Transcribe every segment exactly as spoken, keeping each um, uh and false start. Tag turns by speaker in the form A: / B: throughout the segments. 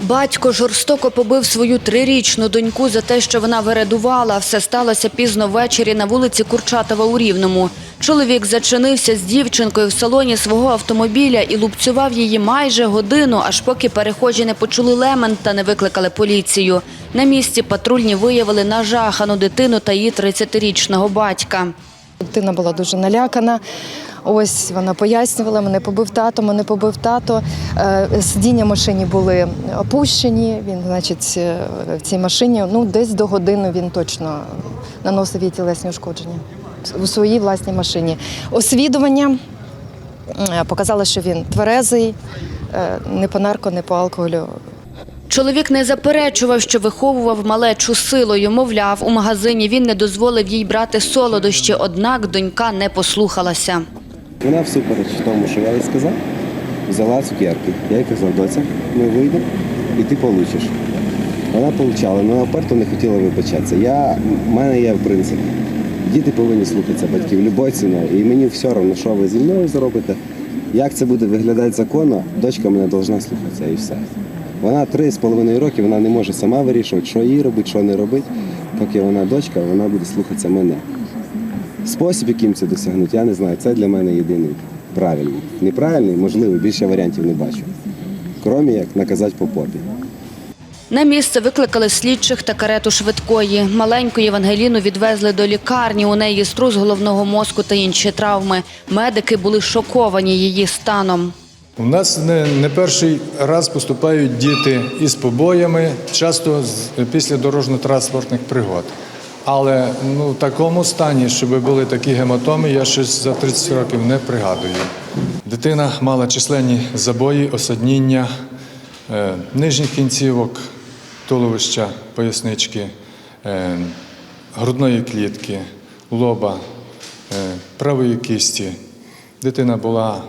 A: Батько жорстоко побив свою трирічну доньку за те, що вона вередувала. Все сталося пізно ввечері на вулиці Курчатова у Рівному. Чоловік зачинився з дівчинкою в салоні свого автомобіля і лупцював її майже годину, аж поки перехожі не почули лемент та не викликали поліцію. На місці патрульні виявили нажахану дитину та її тридцятирічного батька.
B: Дитина була дуже налякана. Ось вона пояснювала, мене побив тато, мене побив тато. Сидіння в машині були опущені, він, значить, в цій машині, ну, десь до години він точно наносив їй тілесні ушкодження у своїй власній машині. Освідування показало, що він тверезий, не по нарко, не по алкоголю.
A: Чоловік не заперечував, що виховував малечу силою. Мовляв, у магазині він не дозволив їй брати солодощі, однак донька не послухалася.
C: Вона всупереч тому, що я їй сказав, взяла цукерки. Я їй казав: доця, ми вийдемо і ти получиш. Вона получала, але вона вперто не хотіла вибачатися. Я, в мене є принцип. Діти повинні слухатися батьків любою ціною. І мені все одно, що ви зі мною зробите, як це буде виглядати законно, дочка мене повинна слухатися і все. Вона три з половиною роки, вона не може сама вирішувати, що їй робити, що не робити. Поки вона дочка, вона буде слухатися мене. Спосіб, яким це досягнути, я не знаю. Це для мене єдиний правильний. Неправильний, можливо, більше варіантів не бачу. Крім як наказати по попі.
A: На місце викликали слідчих та карету швидкої. Маленьку Євангеліну відвезли до лікарні. У неї струс головного мозку та інші травми. Медики були шоковані її станом.
D: У нас не, не перший раз поступають діти із побоями, часто з, після дорожньо-транспортних пригод. Але ну, в такому стані, щоб були такі гематоми, я щось за тридцять років не пригадую. Дитина мала численні забої, осадніння е, нижніх кінцівок, туловища, пояснички, е, грудної клітки, лоба, е, правої кісті. Дитина була,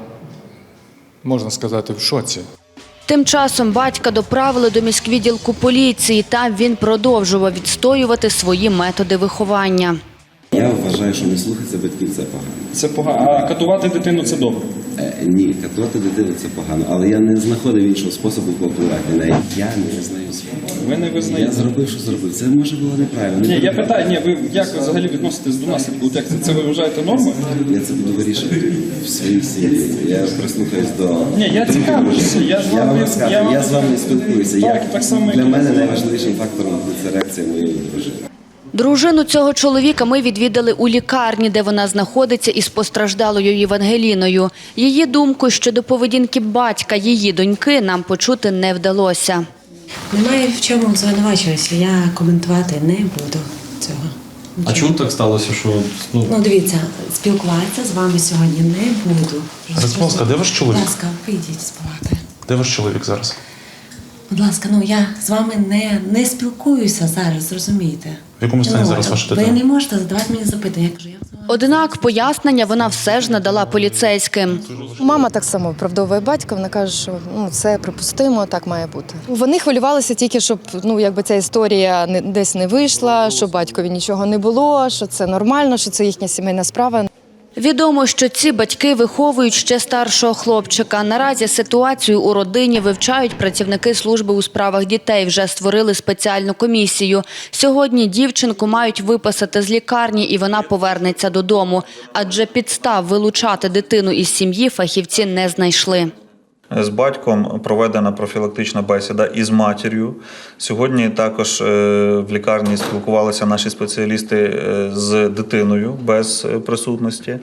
D: можна сказати, в шоці.
A: Тим часом батька доправили до міськвідділку поліції. Там він продовжував відстоювати свої методи виховання.
C: Я вважаю, що не слухатися батьків – це погано.
E: Це погано. А катувати дитину – це добре?
C: Е, ні, катувати дитину – це погано. Але я не знаходив іншого способу повпливати на неї. Я не визнаю свого.
E: Ви не визнаєте?
C: Я зробив, що зробив. Це, може, було неправильно.
E: Ні, я питаю, ні, ви як ви взагалі відноситесь до наслідку? Як це, це ви вважаєте нормою?
C: Я це буду вирішувати в своїй сім'ї. Я прислухаюсь до...
E: Ні, я цікавлюся. Я ж
C: Я
E: вам
C: вам
E: не-
C: розкажу,
E: я
C: я,
E: вам-
C: з вами спілкуюся.
E: Так,
C: Як
E: так само, як
C: для
E: і
C: мене
E: ви.
C: найважливішим фактором буде це реакція моєї дружини.
A: Дружину цього чоловіка ми відвідали у лікарні, де вона знаходиться із постраждалою Євангеліною. Її думку щодо поведінки батька її доньки нам почути не вдалося.
F: Немає в чому звинувачуватися, я коментувати не буду цього.
G: А чому так сталося, що... Ну,
F: Ну, дивіться, спілкуватися з вами сьогодні не буду.
G: Розповська, де ваш чоловік?
F: Будь ласка, вийдіть з палати.
G: Де ваш чоловік зараз?
F: Будь ласка, ну я з вами не, не спілкуюся зараз, зрозумієте?
G: В якому стані
F: Ну,
G: зараз ваша
F: ви
G: дитина?
F: не можете задавати мені запитання. Я кажу, як з вами?
A: Однак пояснення вона все ж надала поліцейським.
B: Мама так само виправдовує батька, вона каже, що ну, це припустимо, так має бути. Вони хвилювалися тільки, щоб ну, якби ця історія не, десь не вийшла, що батькові нічого не було, що це нормально, що це їхня сімейна справа.
A: Відомо, що ці батьки виховують ще старшого хлопчика. Наразі ситуацію у родині вивчають працівники служби у справах дітей. Вже створили спеціальну комісію. Сьогодні дівчинку мають виписати з лікарні і вона повернеться додому. Адже підстав вилучати дитину із сім'ї фахівці не знайшли.
H: З батьком проведена профілактична бесіда із матір'ю. Сьогодні також в лікарні спілкувалися наші спеціалісти з дитиною без присутності.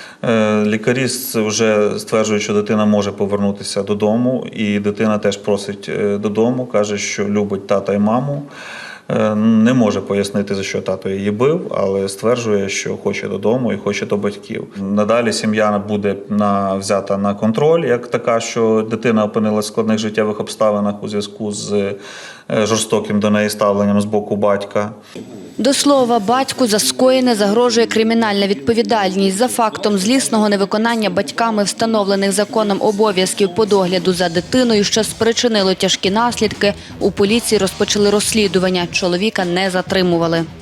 H: Лікарі вже стверджують, що дитина може повернутися додому, і дитина теж просить додому, каже, що любить тата і маму. Не може пояснити, за що тато її бив, але стверджує, що хоче додому і хоче до батьків. Надалі сім'я буде на, взята на контроль, як така, що дитина опинилася в складних життєвих обставинах у зв'язку з жорстоким до неї ставленням з боку батька.
A: До слова, батьку за скоєне загрожує кримінальна відповідальність. За фактом злісного невиконання батьками встановлених законом обов'язків по догляду за дитиною, що спричинило тяжкі наслідки, у поліції розпочали розслідування. Чоловіка не затримували.